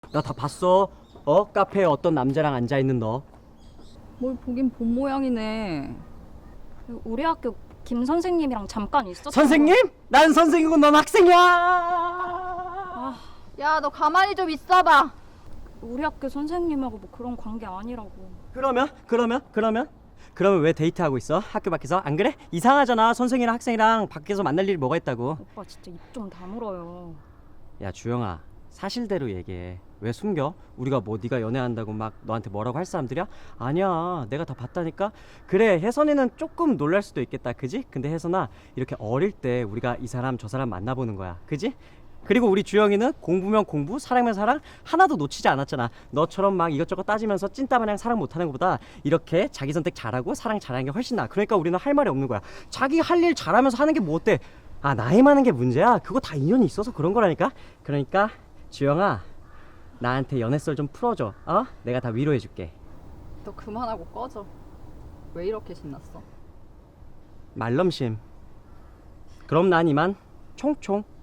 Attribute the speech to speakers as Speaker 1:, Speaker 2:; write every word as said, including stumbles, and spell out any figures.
Speaker 1: 나 다 봤어. 어? 카페에 어떤 남자랑 앉아있는 너.
Speaker 2: 뭘 보긴 본 모양이네.
Speaker 3: 우리 학교 김 선생님이랑 잠깐 있었던
Speaker 1: 선생님? 난 선생이고 넌 학생이야.
Speaker 2: 야, 너 가만히 좀 있어봐.
Speaker 3: 거. 우리 학교 선생님하고 뭐 그런 관계 아니라고.
Speaker 1: 그러면? 그러면? 그러면? 그러면 왜 데이트하고 있어? 학교 밖에서? 안 그래? 이상하잖아. 선생이랑 학생이랑 밖에서 만날 일이 뭐가 있다고.
Speaker 3: 오빠 진짜 입 좀 다물어요.
Speaker 1: 야 주영아, 사실대로 얘기해. 왜 숨겨? 우리가 뭐 네가 연애한다고 막 너한테 뭐라고 할 사람들이야? 아니야, 내가 다 봤다니까. 그래, 혜선이는 조금 놀랄 수도 있겠다, 그지? 근데 혜선아, 이렇게 어릴 때 우리가 이 사람 저 사람 만나보는 거야, 그지? 그리고 우리 주영이는 공부면 공부, 사랑면 사랑 하나도 놓치지 않았잖아. 너처럼 막 이것저것 따지면서 찐따마냥 사랑 못하는 것보다 이렇게 자기 선택 잘하고 사랑 잘하는 게 훨씬 나아. 그러니까 우리는 할 말이 없는 거야. 자기 할 일 잘하면서 하는 게 뭐 어때? 아, 나이 많은 게 문제야? 그거 다 인연이 있어서 그런 거라니까. 그러니까 주영아, 나한테 연애썰 좀 풀어줘. 어? 내가 다 위로해줄게.
Speaker 2: 너 그만하고 꺼져. 왜 이렇게 신났어?
Speaker 1: 말넘심. 그럼 난 이만 총총.